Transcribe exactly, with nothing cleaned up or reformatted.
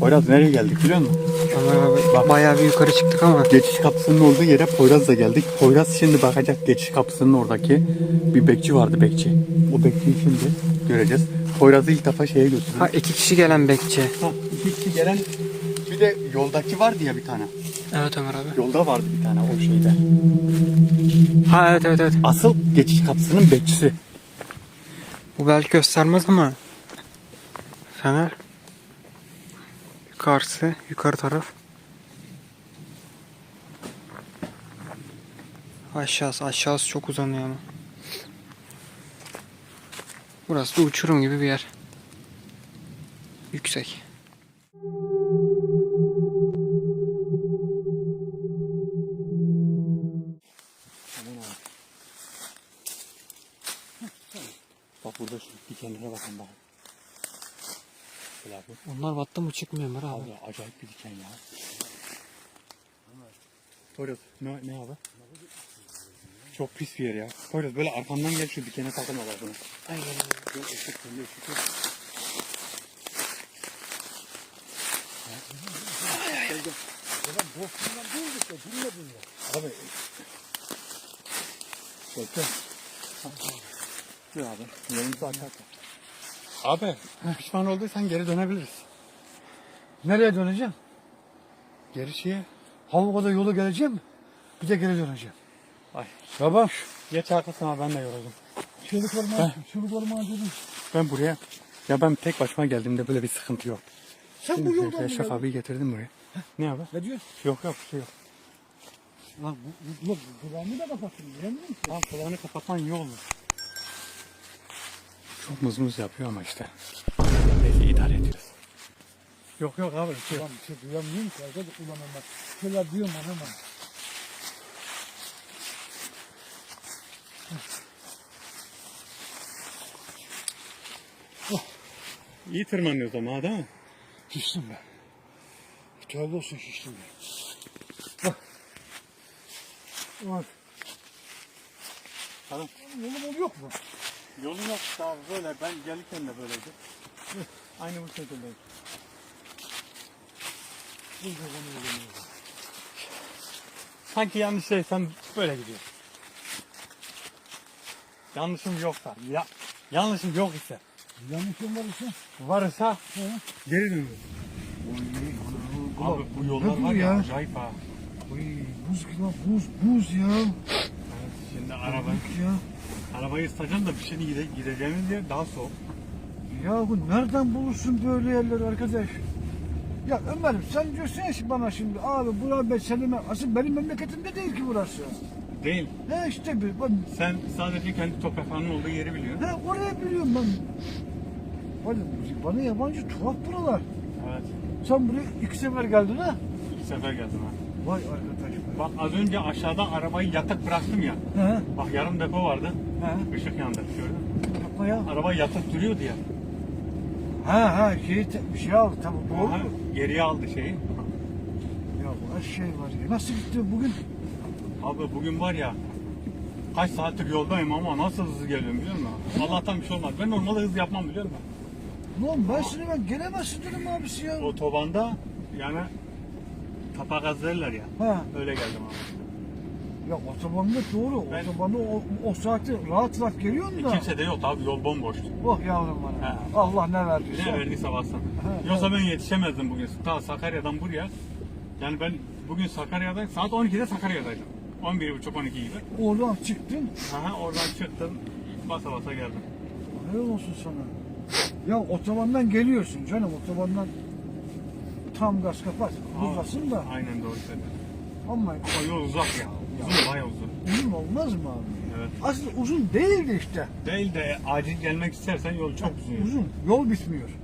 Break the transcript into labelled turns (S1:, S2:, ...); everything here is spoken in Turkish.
S1: Poyraz nereye geldik biliyor musun?
S2: Ömer abi bak, bayağı bir yukarı çıktık ama.
S1: Geçiş kapısının olduğu yere Poyraz'la geldik. Poyraz şimdi bakacak geçiş kapısının oradaki bir bekçi vardı bekçi. O bekçiyi şimdi göreceğiz. Poyraz'ı ilk defa şeye götürdük.
S2: Ha iki kişi gelen bekçi.
S1: Ha, iki kişi gelen bir de yoldaki vardı ya bir tane.
S2: Evet Ömer abi.
S1: Yolda vardı bir tane o şeyde.
S2: Ha evet evet evet.
S1: Asıl geçiş kapısının bekçisi.
S2: Bu belki göstermez ama. Fener. Yukarısı, yukarı taraf. Aşağısı, aşağısı çok uzanıyor ama. Burası da uçurum gibi bir yer. Yüksek.
S1: Bak burada şu dikenlere bakın bak. Böyle abi.
S2: Onlar battı mı çıkmıyor Ömer abi.
S1: Abi acayip bir diken ya. Poyraz ne, ne abi? Çok pis bir yer ya. Poyraz böyle arkamdan gel şu dikene takılma bak bunu.
S2: Aynen.
S1: Yok ışık kendi ışık yok. Abi. Bekle. Dur abi. Yolumuzu açarsak. Abi pişman olduysan geri dönebiliriz.
S3: Nereye döneceğim?
S1: Geri şeye.
S3: Havuka'da yolu geleceğim. Bir de geri döneceğim.
S1: Ay.
S3: Tamam.
S1: Geç arkasına ben de yoruldum.
S3: Çığlık orman, çığlık orman dedim.
S1: Ben buraya. Ya ben tek başıma geldiğimde böyle bir sıkıntı yok.
S3: Sen
S1: Şimdi
S3: bu yoldan mı
S1: Eşref
S3: geldin?
S1: abiyi getirdim buraya. Ne abi?
S3: Ne diyorsun?
S1: Yok yok bir şey yok.
S3: Lan bu, bu, bu, kulağımı da kapattın. Bilemiyor musun?
S1: Tamam kulağını kapatman iyi olur. Çok mızmız yapıyor ama işte. Neyse idare ediyoruz. Yok yok abi. Şey yok.
S3: Ulan bir şey duyamıyorum ki. Arkadaş ulan bak. Şöyle diyorum ama.
S1: İyi tırmanıyoruz ama değil mi?
S3: Şiştim ben. Tövbe olsun şiştim ben. Bak. Bak.
S1: Tamam.
S3: Yolum yok mu?
S1: Yolun yok abi böyle. Ben gelirken de böyleydi. Aynı bu şekildeyim.
S3: Burada bana yolum yok.
S1: Sanki yanlış değilsem böyle gidiyor. Yanlışım yoksa. Ya, yanlışım yok ise.
S3: Yanlışım var ise.
S1: Varsa
S3: He.
S1: geri dönüyorum. Abi bu yollar
S3: ne
S1: var
S3: bu
S1: ya,
S3: ya?
S1: acayip ha.
S3: Oy, buz gibi lan, buz, buz ya.
S1: Evet, şimdi araba,
S3: Ya.
S1: arabayı ısıtacağım da bir şey gide, gideceğimiz yer daha soğuk.
S3: Ya bu nereden bulursun böyle yerleri arkadaş? Ya Ömer'im sen diyorsun ya şimdi bana şimdi abi burası ben senin asıl benim memleketimde değil ki burası.
S1: Değil.
S3: He işte bir bak,
S1: Sen sadece kendi topraklarının olduğu yeri biliyorsun.
S3: he oraya biliyorum ben. Hadi bana yabancı tuhaf buralar.
S1: Evet.
S3: Sen buraya iki sefer geldin ha?
S1: İki sefer geldim ha.
S3: Vay arkadaş be.
S1: Bak az önce aşağıda arabayı yatık bıraktım ya.
S3: He
S1: Bak yarım depo vardı.
S3: he.
S1: Işık yandı. Gördün mü?
S3: Yapma ya.
S1: Araba yatık duruyordu ya.
S3: Ha ha şey te- bir şey aldı tamam doğru
S1: Aha,
S3: mu?
S1: geriye aldı şeyi.
S3: Ya bu her şey var ya. Nasıl gitti bugün?
S1: Abi bugün var ya kaç saattir yoldayım ama nasıl hızlı geliyorum biliyor musun? Allah'tan bir şey olmaz. Ben normalde hız yapmam biliyor musun?
S3: Ulan ben sana ben gelemezsin dedim abisi ya.
S1: Otobanda yani tapa gaz derler ya.
S3: Ha.
S1: Öyle geldim abi.
S3: Ya otobanda doğru.
S1: Ben-
S3: Otobanda o, o saatte rahat rahat geliyorsun
S1: E,
S3: da.
S1: kimse de yok abi yol bomboştu.
S3: Oh yavrum bana.
S1: Ha.
S3: Allah ne verdiyse.
S1: Ne verdiyse bassın.
S3: Ha,
S1: Yoksa ben yetişemezdim bugün. Ta Sakarya'dan buraya. Yani ben bugün Sakarya'da saat on ikide Sakarya'daydım. on bir buçuk on iki gibi.
S3: Oradan çıktın.
S1: Aha, oradan çıktım. Basa basa geldim.
S3: Helal olsun sana. Ya otobandan geliyorsun canım. Otobandan tam gaz kapat. Hızlasın da.
S1: Aynen doğru söyledin.
S3: Ama
S1: Ama yol uzak ya. Uzun bayağı uzun.
S3: uzun olmaz mı abi?
S1: Evet.
S3: Aslında uzun değildi işte.
S1: Değil de acil gelmek istersen yol çok uzun.
S3: Uzun. Yol bitmiyor.